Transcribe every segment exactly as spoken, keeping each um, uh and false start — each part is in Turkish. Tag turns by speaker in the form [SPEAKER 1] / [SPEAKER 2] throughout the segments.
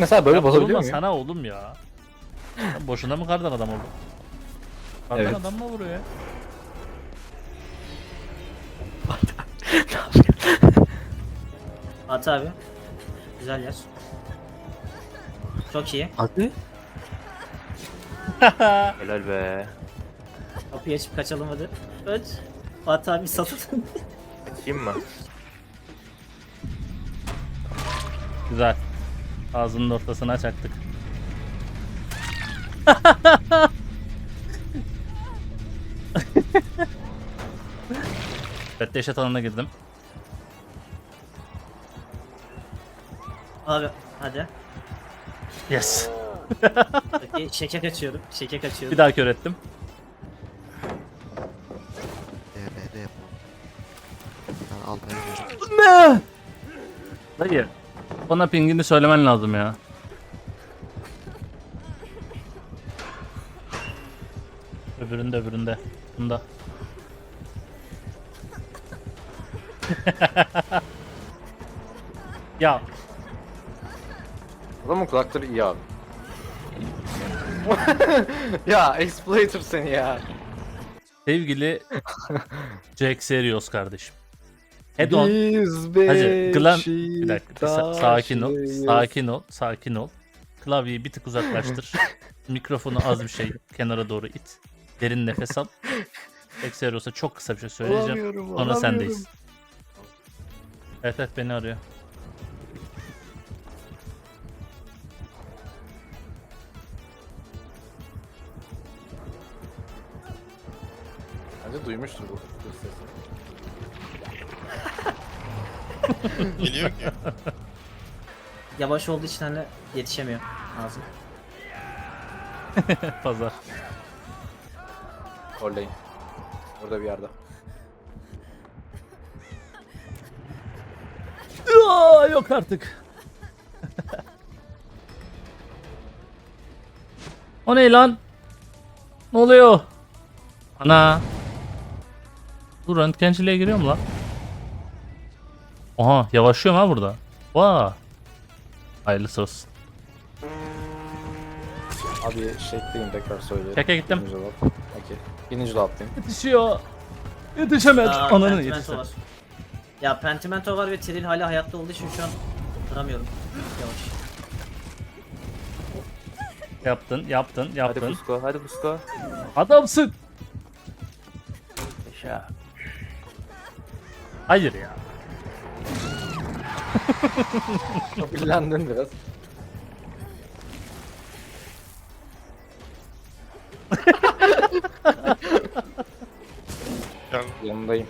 [SPEAKER 1] mesela böyle
[SPEAKER 2] Ya
[SPEAKER 1] bozabiliyor
[SPEAKER 2] vurma
[SPEAKER 1] muyum?
[SPEAKER 2] sana oğlum ya. Sen boşuna mı kardan adam oldun? Kardan
[SPEAKER 1] Evet.
[SPEAKER 2] adam mı vuruyor ya?
[SPEAKER 3] At abi. Güzel yer. Çok iyi.
[SPEAKER 1] Hadi.
[SPEAKER 4] Helal be.
[SPEAKER 3] Kapıyı açıp kaçalım hadi. Kaç. At abi satın.
[SPEAKER 4] Açayım mı?
[SPEAKER 2] Güzel. Ağzının ortasına çaktık. Evet, dehşet alanına girdim.
[SPEAKER 3] Abi hadi.
[SPEAKER 2] Yes.
[SPEAKER 3] Okey, şeke kaçıyorum. Şeke kaçıyorum.
[SPEAKER 2] Bir daha kör ettim.
[SPEAKER 5] D B D yapalım. Ben almaya gidiyorum.
[SPEAKER 2] Ne? Hayır. Bana pingini söylemen lazım ya. Öbüründe öbüründe. Bunda. Ya
[SPEAKER 1] Adamın kulakları iyi abi. Ya exploiter seni ya.
[SPEAKER 2] sevgili Jack Serios kardeşim. Head on.
[SPEAKER 1] Biz
[SPEAKER 2] Hacı, Glam... Bir dakika, sa- sakin ol,
[SPEAKER 1] Beşiktaşlıyız.
[SPEAKER 2] sakin ol, sakin ol. Klavyeyi bir tık uzaklaştır. Mikrofonu az bir şey kenara doğru it. Derin nefes al. Exerios'a çok kısa bir şey söyleyeceğim.
[SPEAKER 1] Alamıyorum,
[SPEAKER 2] Sonra
[SPEAKER 1] alamıyorum.
[SPEAKER 2] sendeyiz. Evet evet beni arıyor.
[SPEAKER 1] Bence duymuştur bu bu sesi.
[SPEAKER 6] Geliyor ki.
[SPEAKER 3] Yavaş olduğu için hani yetişemiyor ağzım.
[SPEAKER 2] Pazar.
[SPEAKER 1] Oradayım. Orada bir yerde.
[SPEAKER 2] Aa, yok artık. O ne lan? Ne oluyor? Ana. Dur, röntgenciliğe giriyor mu lan? Oha, yavaşlıyorum ha burada. Vaa. Hayırlısı olsun.
[SPEAKER 1] Abi şekliyim tekrar söyleyeyim.
[SPEAKER 2] Çeke gittim.
[SPEAKER 1] Birinci dolap. Okey. Birinci dolaptayım.
[SPEAKER 2] Yetişiyor. Yetişemez.
[SPEAKER 3] Aa,
[SPEAKER 2] Ananı
[SPEAKER 3] Pentimento
[SPEAKER 2] yetişti.
[SPEAKER 3] var. Ya Pentimento var ve Trill hala hayatta olduğu için şu an duramıyorum. Yavaş.
[SPEAKER 2] Yaptın, yaptın,
[SPEAKER 4] Hadi
[SPEAKER 2] yaptın.
[SPEAKER 4] Busko, hadi Busko.
[SPEAKER 2] Adamsın.
[SPEAKER 4] Yaşa.
[SPEAKER 2] Hayır ya.
[SPEAKER 1] Kabillendin biraz.
[SPEAKER 6] Gel.
[SPEAKER 1] Yanındayım.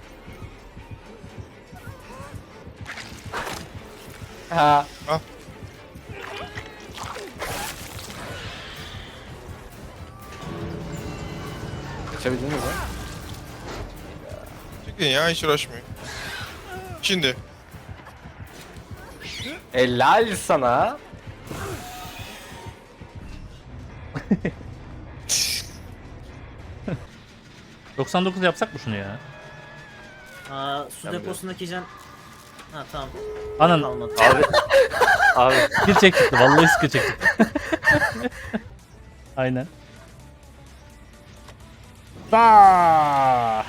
[SPEAKER 1] Ha.
[SPEAKER 6] Al.
[SPEAKER 1] Geçebildiniz mi?
[SPEAKER 6] Çıkın ya, hiç uğraşmayın. Şimdi.
[SPEAKER 1] Helal sana.
[SPEAKER 2] doksan dokuz yapsak mı şunu ya?
[SPEAKER 3] Aa, su
[SPEAKER 4] Ben
[SPEAKER 3] deposundaki can... Ha tamam.
[SPEAKER 2] Anan.
[SPEAKER 3] Kalmadı.
[SPEAKER 4] Abi. Abi.
[SPEAKER 2] Skill çek çıktı. Vallahi skill çek çıktı. Aynen. Daa!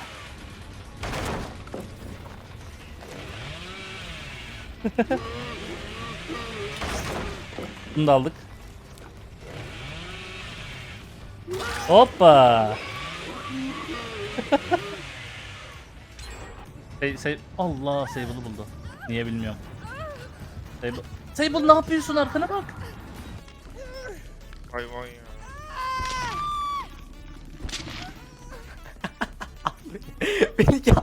[SPEAKER 2] Bunu da aldık. Hoppa! Say, say, Allah, Sable'ı buldu. Niye bilmiyorum. Sable, Sable ne yapıyorsun, arkana bak.
[SPEAKER 6] Hayvan ya.
[SPEAKER 1] Beni ya.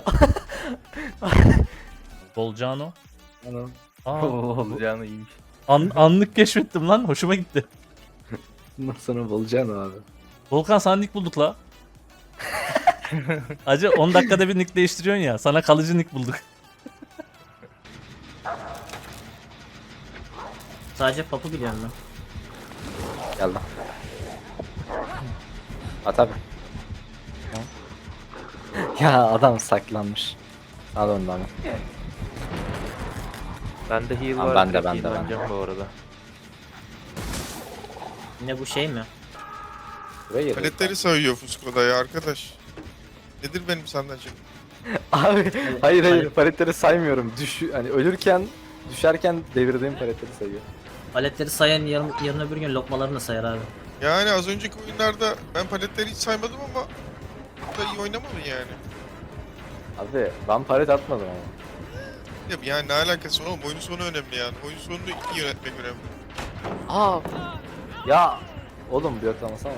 [SPEAKER 2] Bolcano.
[SPEAKER 1] Anam.
[SPEAKER 2] Aa,
[SPEAKER 4] Olacağını iyiymiş.
[SPEAKER 2] an, anlık keşfettim lan, hoşuma gitti.
[SPEAKER 1] Bundan sonra bulacaksın abi.
[SPEAKER 2] Volkan, sana nick bulduk la. Acı on dakikada bir nick değiştiriyorsun ya, sana kalıcı nick bulduk.
[SPEAKER 3] Sadece Papu biliyorum ben.
[SPEAKER 1] Geldim. At abi. Ya adam saklanmış. Al ondan.
[SPEAKER 4] Bende heal
[SPEAKER 1] Tamam,
[SPEAKER 4] var.
[SPEAKER 1] bende,
[SPEAKER 4] direkt
[SPEAKER 1] bende,
[SPEAKER 4] heal'lanacağım bu arada.
[SPEAKER 3] Yine bu şey mi?
[SPEAKER 1] Buraya geliyor.
[SPEAKER 6] Paletleri sayıyor Fusco'da ya arkadaş. Nedir benim senden şimdi?
[SPEAKER 1] Abi hayır hayır
[SPEAKER 3] Palet-
[SPEAKER 1] paletleri saymıyorum. Düş hani ölürken düşerken devirdiğim paletleri sayıyor.
[SPEAKER 3] Paletleri sayan yarın, yarın öbür gün lokmalarını da sayar abi.
[SPEAKER 6] Yani az önceki oyunlarda ben paletleri hiç saymadım ama burada iyi oynamadın yani.
[SPEAKER 1] Abi ben palet atmadım ama.
[SPEAKER 6] Ya yani ne alakası var oğlum? Oyun sonu önemli yani. Oyun sonunu iyi yönetmek önemli.
[SPEAKER 1] Aa. Ya oğlum bir atlamasana.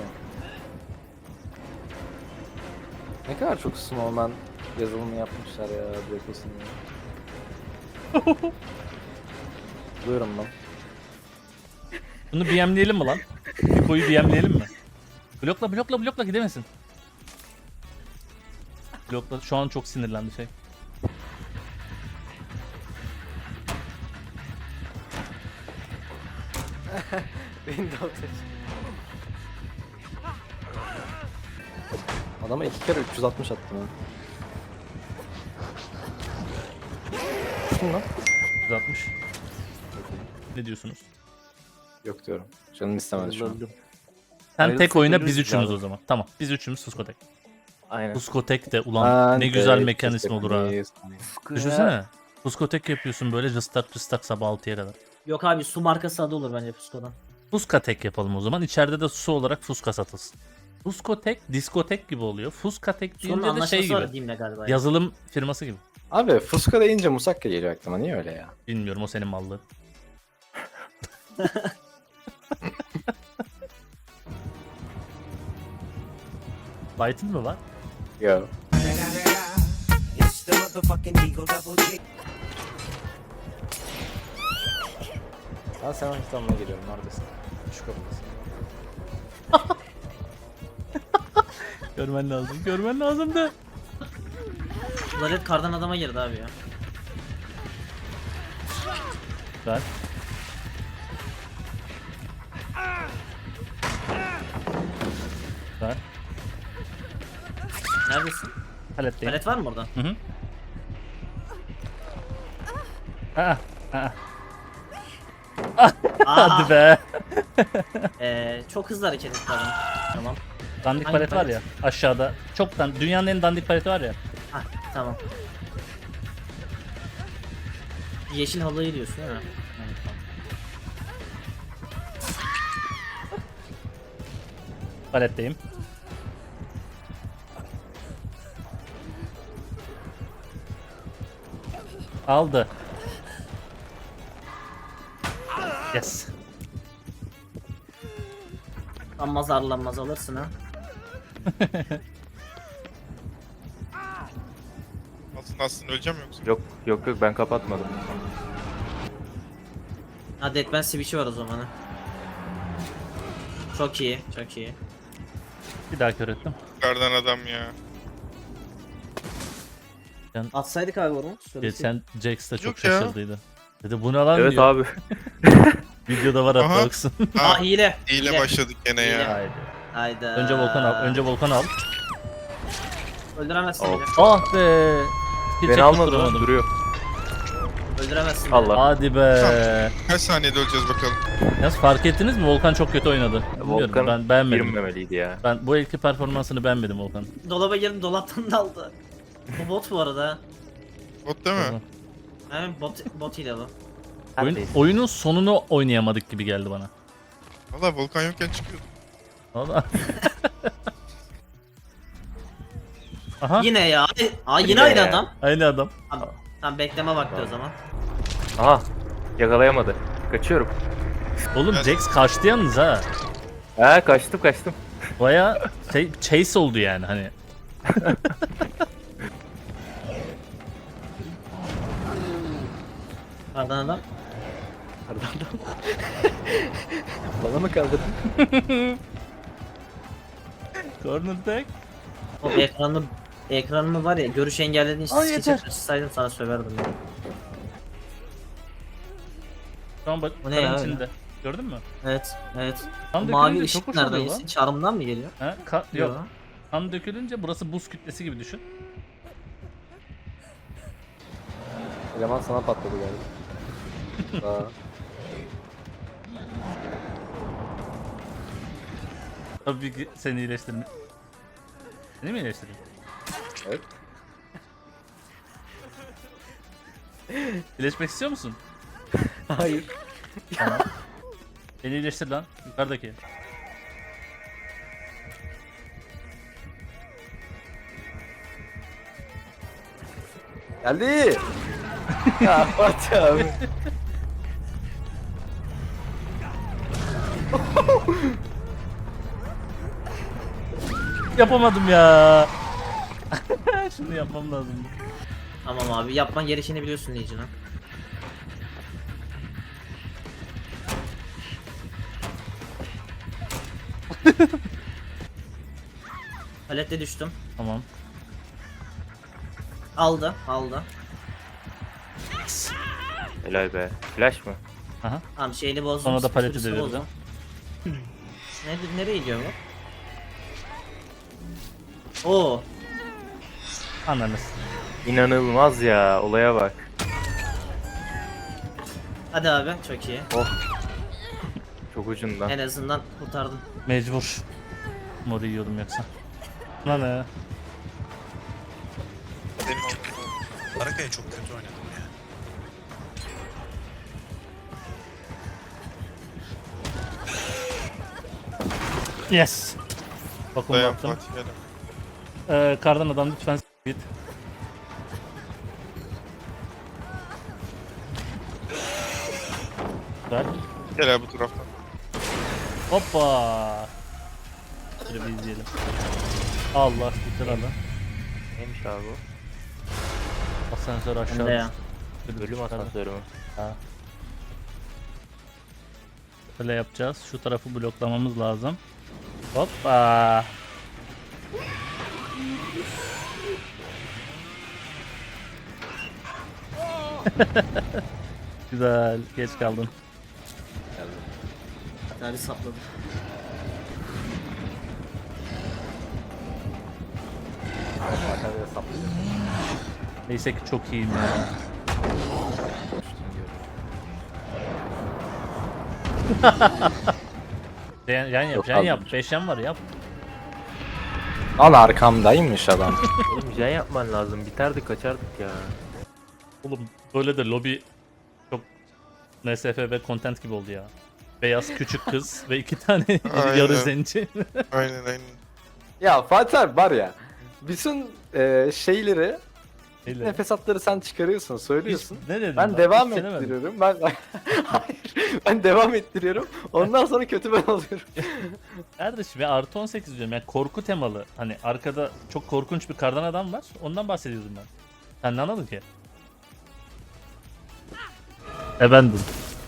[SPEAKER 1] Ne kadar çok Snowman yazılımı yapmışlar ya Blokos'un ya. Buyurun lan.
[SPEAKER 2] Bunu B M'leyelim mi lan? Koyu B M'leyelim mi? Blokla blokla blokla gidemesin. Blokla şu an çok sinirlendi şey.
[SPEAKER 1] Windows. Adama iki kere üç yüz altmış attım ha. Kim lan?
[SPEAKER 2] yüz altmış. Ne diyorsunuz?
[SPEAKER 1] Yok diyorum. Canım istemedi şu an.
[SPEAKER 2] Sen
[SPEAKER 4] Ayrılsak
[SPEAKER 2] tek oyna
[SPEAKER 4] ölürüz
[SPEAKER 2] biz üçümüz
[SPEAKER 4] abi.
[SPEAKER 2] o zaman. Tamam biz üçümüz Fuskotek.
[SPEAKER 4] Aynen.
[SPEAKER 2] Fuskotek de ulan
[SPEAKER 1] Ben
[SPEAKER 2] ne güzel
[SPEAKER 1] de
[SPEAKER 2] mekanizma olur ha.
[SPEAKER 1] kesinlikle.
[SPEAKER 2] Düşünsene. Fuskotek yapıyorsun böyle cıstak cıstak sabah altıya kadar.
[SPEAKER 3] Yok abi su markası adı olur bence Fusco'dan.
[SPEAKER 2] Fuskatek yapalım o zaman. İçeride de su olarak fuska satılsın. Fuskotek, diskotek gibi oluyor. Fuskatek
[SPEAKER 3] Sunun
[SPEAKER 2] deyince de
[SPEAKER 3] anlaşması
[SPEAKER 2] şey
[SPEAKER 3] var
[SPEAKER 2] gibi.
[SPEAKER 3] Dim'le galiba. ya.
[SPEAKER 2] Yazılım firması gibi.
[SPEAKER 1] Abi Fusca deyince Musakka geliyor aklıma. Niye öyle ya?
[SPEAKER 2] Bilmiyorum o senin mallığın. Light'ın mı var?
[SPEAKER 1] Yo.
[SPEAKER 7] It's the motherfucking Eagle Double G.
[SPEAKER 1] Ben sana İstanbul'a geliyorum. Neredesin? Şu kapıdasın.
[SPEAKER 2] Görmen lazım. Görmen lazımdı.
[SPEAKER 3] Bunlar hep kardan adama girdi abi ya.
[SPEAKER 2] Ver. Ver.
[SPEAKER 3] Neredesin?
[SPEAKER 2] Paletteyim.
[SPEAKER 3] Palet var mı orada?
[SPEAKER 2] Hı hı. Aa, aa.
[SPEAKER 3] Aa,
[SPEAKER 2] Hadi be.
[SPEAKER 3] Ee, çok hızlı hareket etti adam. Tamam.
[SPEAKER 2] Dandik
[SPEAKER 3] Hangi
[SPEAKER 2] palet var
[SPEAKER 3] palet?
[SPEAKER 2] ya aşağıda. Çok dan dünyanın en dandik paleti var ya.
[SPEAKER 3] Hah tamam. Yeşil halıyı diyorsun değil mi? Evet, tamam.
[SPEAKER 2] Paletteyim. Aldı. Yes.
[SPEAKER 3] Lanmaz arlanmaz alırsın ha.
[SPEAKER 6] Aslında aslında öleceğim yoksa.
[SPEAKER 4] Yok yok yok ben kapatmadım.
[SPEAKER 3] Ha Deadman Switch'i var o zaman ha. Çok iyi, çok iyi.
[SPEAKER 2] Bir daha kör ettim.
[SPEAKER 6] Kardan adam ya.
[SPEAKER 3] Atsaydık abi onu.
[SPEAKER 2] Geçen Jax da çok
[SPEAKER 6] Yok ya.
[SPEAKER 2] şaşırdıydı. Dedi bu ne lan
[SPEAKER 4] Evet
[SPEAKER 2] diyor.
[SPEAKER 4] abi.
[SPEAKER 2] Videoda var
[SPEAKER 6] Aha.
[SPEAKER 2] hatta baksın.
[SPEAKER 3] Aa
[SPEAKER 6] Ha,
[SPEAKER 3] hile.
[SPEAKER 6] hile başladık gene
[SPEAKER 3] Hile.
[SPEAKER 6] ya.
[SPEAKER 2] Haydi.
[SPEAKER 3] Hayda.
[SPEAKER 2] Önce Volkan al. Önce Volkan al.
[SPEAKER 3] Öldüremezsin
[SPEAKER 4] Al.
[SPEAKER 3] bile.
[SPEAKER 2] Ah be. Hiç
[SPEAKER 4] Beni almadı lan
[SPEAKER 2] tutturamadım.
[SPEAKER 4] duruyor.
[SPEAKER 3] Öldüremezsin bile.
[SPEAKER 4] Allah.
[SPEAKER 2] Hadi be.
[SPEAKER 6] Kaç saniyede öleceğiz bakalım.
[SPEAKER 2] Yalnız fark ettiniz mi? Volkan çok kötü oynadı. Bilmiyorum,
[SPEAKER 4] Volkan
[SPEAKER 2] ben beğenmedim.
[SPEAKER 4] girmemeliydi ya.
[SPEAKER 2] Ben bu elki performansını beğenmedim Volkan.
[SPEAKER 3] Dolaba girdim dolaptan daldı. Bu bot bu arada.
[SPEAKER 6] Bot değil mi?
[SPEAKER 3] Evet bot, bot hile bu.
[SPEAKER 2] Oyun, oyunun sonunu oynayamadık gibi geldi bana.
[SPEAKER 6] Valla Volkan yokken çıkıyordu.
[SPEAKER 2] Valla. Aha.
[SPEAKER 3] Yine ya. Aa yine
[SPEAKER 4] Yine
[SPEAKER 3] aynı
[SPEAKER 4] ya.
[SPEAKER 3] adam.
[SPEAKER 2] Aynı adam.
[SPEAKER 3] Tamam, tamam bekleme vakti o zaman.
[SPEAKER 4] Aha yakalayamadı. Kaçıyorum.
[SPEAKER 2] Oğlum
[SPEAKER 6] Evet.
[SPEAKER 2] Jax kaçtı yalnız ha.
[SPEAKER 4] Ha kaçtım kaçtım.
[SPEAKER 2] Baya şey, chase oldu yani hani.
[SPEAKER 3] Kardan adam.
[SPEAKER 1] Bana mı kaldırdın?
[SPEAKER 2] Corner tag.
[SPEAKER 3] O ekranı ekranımı var ya görüş engellediğin için
[SPEAKER 2] Ay,
[SPEAKER 3] skeçe
[SPEAKER 2] yeter.
[SPEAKER 3] taşısaydım sana söverdim ya.
[SPEAKER 2] Şu an bak
[SPEAKER 3] Bu ne
[SPEAKER 2] karın
[SPEAKER 3] ya
[SPEAKER 2] içinde. Gördün mü?
[SPEAKER 3] Evet, evet.
[SPEAKER 2] Kan
[SPEAKER 3] O mavi
[SPEAKER 2] dökülünce çok
[SPEAKER 3] ışık
[SPEAKER 2] hoş
[SPEAKER 3] nereden
[SPEAKER 2] oluyor
[SPEAKER 3] yesin?
[SPEAKER 2] lan.
[SPEAKER 3] Çarmından mı geliyor?
[SPEAKER 2] Ha? Ka- yok. Kan dökülünce burası buz kütlesi gibi düşün.
[SPEAKER 1] Eleman sana patladı galiba. Aa.
[SPEAKER 2] Tabii ki seni iyileştirme. Seni mi iyileştireyim?
[SPEAKER 1] Evet.
[SPEAKER 2] İyileşmek istiyor musun?
[SPEAKER 1] Hayır.
[SPEAKER 2] Beni iyileştir lan. Yukarıdaki.
[SPEAKER 1] Geldi. Ya Fatih abi.
[SPEAKER 2] Yapamadım ya. Şunu yapmam lazım.
[SPEAKER 3] Tamam abi yapman gerekeni biliyorsun Legion'a. Palette düştüm.
[SPEAKER 2] Tamam.
[SPEAKER 3] Aldı, aldı.
[SPEAKER 4] Helal be. Flash mı?
[SPEAKER 2] Aha.
[SPEAKER 3] Tamam şeyini bozdum.
[SPEAKER 2] Sonra da paleti
[SPEAKER 3] sürüsünü
[SPEAKER 2] devirdim.
[SPEAKER 3] bozdum. Ne, nereye gidiyor bu? Oo,
[SPEAKER 2] Anladınız.
[SPEAKER 4] İnanılmaz ya. Olaya bak.
[SPEAKER 3] hadi abi çok iyi.
[SPEAKER 4] Çok ucundan.
[SPEAKER 3] En azından kurtardım.
[SPEAKER 2] Mecbur. Moru yiyordum yoksa. Lan ne?
[SPEAKER 6] Benim oldu.
[SPEAKER 8] Baraka'ya çok kötü oynadım ya.
[SPEAKER 2] Yes. Bakın
[SPEAKER 6] Dayan
[SPEAKER 2] baktım.
[SPEAKER 6] Fatih gel.
[SPEAKER 2] Ee, kardan adam lütfen s- git. Güzel.
[SPEAKER 6] Gel abi bu taraftan.
[SPEAKER 2] Hoppa. Şöyle bir izleyelim. Allah güzel adam.
[SPEAKER 4] Neymiş abi bu?
[SPEAKER 2] Asansör
[SPEAKER 3] Hem de
[SPEAKER 2] aşağı.
[SPEAKER 3] ya.
[SPEAKER 2] düştü.
[SPEAKER 4] Ölüm asansörü mü?
[SPEAKER 2] Ha. Böyle yapacağız. Şu tarafı bloklamamız lazım. Hoppa. Güzel. Geç kaldın.
[SPEAKER 3] Abi sapladım.
[SPEAKER 1] Fatih abi hesaplıyor.
[SPEAKER 2] Neyse ki çok iyiyim ya. Yan, yan yap,
[SPEAKER 1] Yok
[SPEAKER 2] yan
[SPEAKER 1] abi.
[SPEAKER 2] yap. Beş yan var yap.
[SPEAKER 1] Lan arkamdaymış adam.
[SPEAKER 4] Oğlum jen yapman lazım. Biterdik kaçardık ya.
[SPEAKER 2] Oğlum böyle de lobi çok N S F B content gibi oldu ya. Beyaz küçük kız ve iki tane
[SPEAKER 6] Aynen.
[SPEAKER 2] yarı zenci.
[SPEAKER 6] Aynen aynen.
[SPEAKER 1] Ya Fatih abi var ya. Bütün e, şeyleri,
[SPEAKER 2] Öyle.
[SPEAKER 1] nefes hatları sen çıkarıyorsun, söylüyorsun.
[SPEAKER 2] Hiç- ne dedim
[SPEAKER 1] Ben
[SPEAKER 2] lan?
[SPEAKER 1] devam
[SPEAKER 2] Hiç denemedim.
[SPEAKER 1] ettiriyorum. Ben hayır. Ben devam ettiriyorum. Ondan sonra kötü ben oluyorum.
[SPEAKER 2] Kardeşim ya artı on sekiz diyorum yani korku temalı. Hani arkada çok korkunç bir kardan adam var. Ondan bahsediyordum ben. Sen ne anladın ki? Efendim.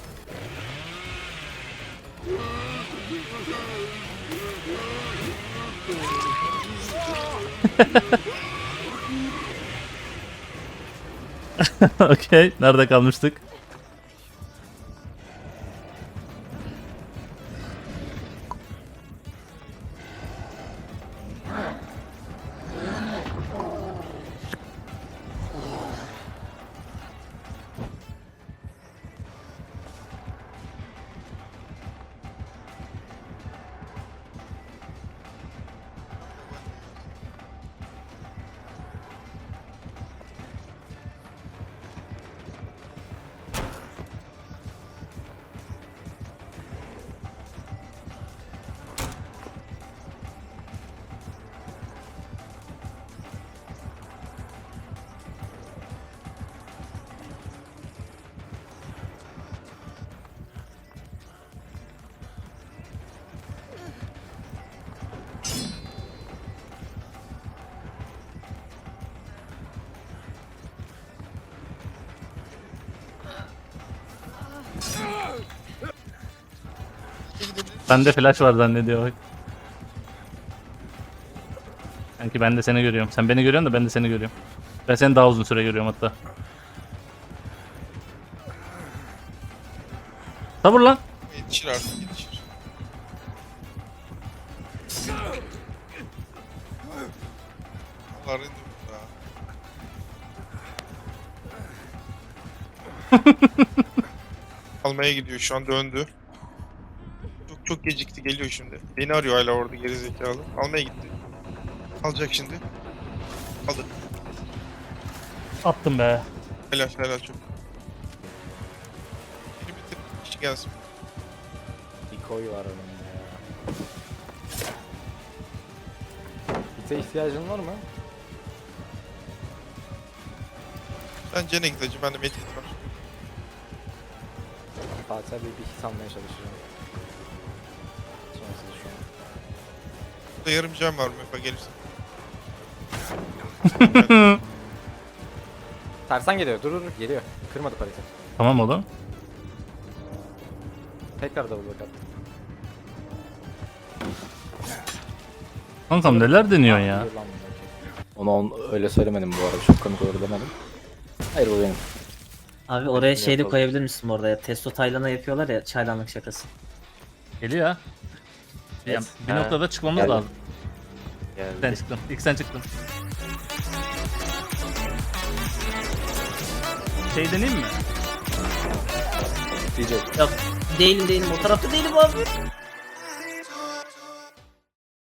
[SPEAKER 2] Okey. Nerede kalmıştık? Bende flash var zannediyor bak. Sanki ben de seni görüyorum. Sen beni görüyorsun da ben de seni görüyorum. Ben seni daha uzun süre görüyorum hatta. Sabır lan.
[SPEAKER 6] Yetişir artık yetişir. Allah rende burada. Almaya gidiyor şu an döndü. Çok Çok gecikti, geliyor şimdi. Beni arıyor hala orada gerizekalı. Almaya gitti. Alacak şimdi. Aldı.
[SPEAKER 2] Attım be.
[SPEAKER 6] Helal helal çok. Beni bitir. İşi gelsin.
[SPEAKER 1] Bir koy var önümde ya. Bite ihtiyacın var mı?
[SPEAKER 6] Ben Cene gideceğim. Bende medkit var.
[SPEAKER 1] Fatih abi bir hit almaya çalışacağım. Sonrası şu an.
[SPEAKER 6] Burada yarım cam var Mefa gelirsin.
[SPEAKER 1] Tersan geliyor. Dur dur dur. Geliyor. Kırmadı parite.
[SPEAKER 2] Tamam oğlum.
[SPEAKER 1] Tekrar double back attı.
[SPEAKER 2] Kankam neler deniyorsun ya?
[SPEAKER 1] Hayır lan, okey. Onu on, öyle söylemedim bu arada. Çok komik olur demedim. Hayır bu benim.
[SPEAKER 3] Abi oraya
[SPEAKER 1] Hepsini
[SPEAKER 3] şey de
[SPEAKER 1] yapalım.
[SPEAKER 3] koyabilir misin orada ya? Testo Taylan'a yapıyorlar ya çaylanlık şakası.
[SPEAKER 2] Geliyor ha. Ya,
[SPEAKER 1] Evet.
[SPEAKER 2] bir
[SPEAKER 4] Ha.
[SPEAKER 2] noktada çıkmamız
[SPEAKER 1] Geldim.
[SPEAKER 2] lazım. Sen
[SPEAKER 4] Geldi.
[SPEAKER 2] çıktın. İlk sen çıktın. Şey deneyeyim mi?
[SPEAKER 1] D J.
[SPEAKER 3] Yok değilim değilim o tarafta değilim abi.